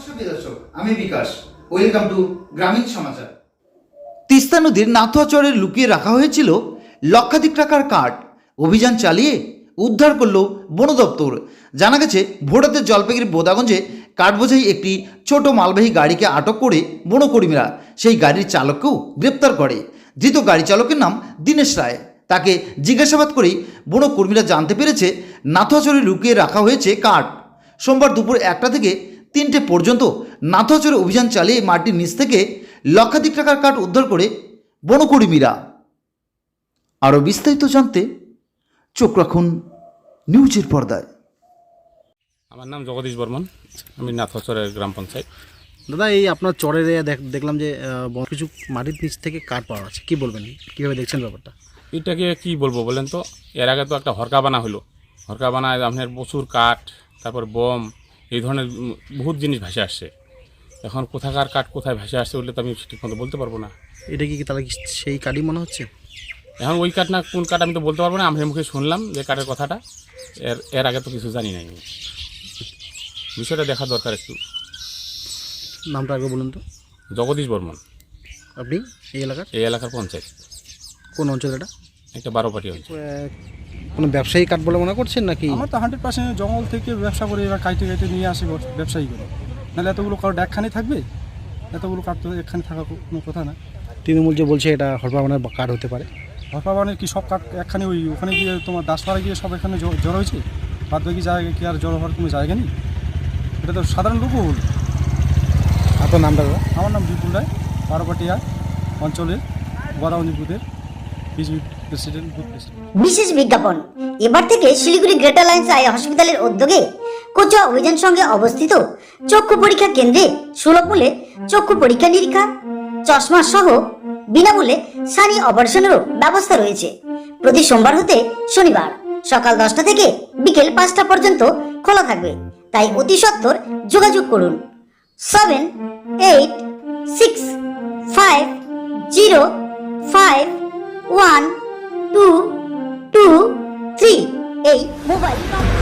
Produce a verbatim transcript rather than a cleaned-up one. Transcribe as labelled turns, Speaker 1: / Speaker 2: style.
Speaker 1: নমস্কার প্রিয় দর্শক, আমি বিকাশ। ওয়েলকাম টু গ্রামীণ সমাচার। তিস্তা নদীর নাথুয়া চরে লুকিয়ে রাখা হয়েছিল লক্ষাধিক টাকার কাঠ। অভিযান চালিয়ে উদ্ধার করল বন দপ্তর। জানা গেছে, ভোররাতে জলপাইগুড়ি বোদাগঞ্জে কাঠবোঝাই একটি ছোট মালবাহী গাড়িকে আটক করে বনকর্মীরা সেই গাড়ির চালককেও গ্রেপ্তার করে। ধৃত গাড়ি চালকের নাম দীনেশ রায়। তাকে জিজ্ঞাসাবাদ করেই বনকর্মীরা জানতে পেরেছে নাথুয়া চরে লুকিয়ে রাখা হয়েছে কাঠ। সোমবার দুপুর একটা থেকে তিনটে পর্যন্ত নাথুয়া চরে অভিযান চালিয়ে মাটির নিচ থেকে লক্ষাধিক টাকার কাঠ উদ্ধার করে বনকর্মীরা। আরও বিস্তারিত জানতে চোখ রাখুন নিউজের পর্দায়।
Speaker 2: আমার নাম জগদীশ বর্মন, আমি নাথুয়া চরের গ্রাম পঞ্চায়েত।
Speaker 3: দাদা, এই আপনার চরের দেখলাম যে আহ, কিছু মাটির নিচ থেকে কাঠ পাওয়া আছে, কি বলবেন, কীভাবে দেখছেন ব্যাপারটা?
Speaker 2: এটাকে কি বলবো বলেন তো, এর আগে তো একটা হরকা বানা হলো, হরকা বানায় আপনার প্রচুর কাঠ, তারপর বম, এই ধরনের বহুত জিনিস ভেসে আসছে। এখন কোথাকার কাঠ কোথায় ভেসে আসছে বললে তো আমি ঠিক মতো বলতে পারবো না।
Speaker 3: এটা কি তাহলে কি সেই কাঠই মনে হচ্ছে?
Speaker 2: এখন ওই কাঠ না কোন কাঠ আমি তো বলতে পারবো না। আমি মুখে শুনলাম যে কাঠের কথাটা, এর এর আগে তো কিছু জানি নাই। আমি বিষয়টা দেখা দরকার একটু।
Speaker 3: নামটা আগে বলুন তো।
Speaker 2: জগদীশ বর্মন।
Speaker 3: আপনি এই এলাকার
Speaker 2: এই এলাকার পঞ্চায়েত।
Speaker 3: কোন অঞ্চল এটা?
Speaker 2: একটা বারো পাটি অঞ্চল।
Speaker 3: কোনো ব্যবসায়ী কাঠ বলে মনে করছেন নাকি?
Speaker 4: আমার তো হান্ড্রেড পার্সেন্ট জঙ্গল থেকে ব্যবসা করে এবার কাইটে কাইটে নিয়ে আসে ব্যবসায়ী করে, নাহলে এতগুলো কাঠ একখানে থাকবে? এতগুলো কাঠ তো একখানে থাকা কোনো কথা না।
Speaker 3: তৃণমূল যে বলছে এটা হরপাবানের কাঠ হতে পারে।
Speaker 4: হরপাবানের কি সব কাঠ একখানে ওই ওখানে গিয়ে তোমার দাসপাড়া গিয়ে সব এখানে জড়ো হয়েছে? বাদ বাকি জায়গায় কি আর জড়ো হওয়ার কোনো জায়গা নেই? এটা তো সাধারণ লোকও হল।
Speaker 3: আপনার নামটা দাদা?
Speaker 4: আমার নাম বিপুল রায়, বারোপাটিয়া অঞ্চলের বোদাগঞ্জ বুথের বিজেপি প্রেসিডেন্ট বুথ প্রেসিডেন্ট।
Speaker 5: বিশেষ বিজ্ঞাপন। এবার থেকে শিলিগুড়ি গ্রেটার লাইন্স আই হসপিটালের উদ্যোগে কোচুয়া অভিযান সঙ্গে অবস্থিত চক্ষু পরীক্ষা কেন্দ্রে সুলভ মূল্যে চক্ষু পরীক্ষা নিরীক্ষা, চশমা সহ বিনামূল্যে সানি অপারেশনেরও ব্যবস্থা রয়েছে। প্রতি সোমবার হতে শনিবার সকাল দশটা থেকে বিকেল পাঁচটা পর্যন্ত খোলা থাকবে। তাই অতি সত্বর যোগাযোগ করুন seven eight six five zero five one two two three এই মোবাইল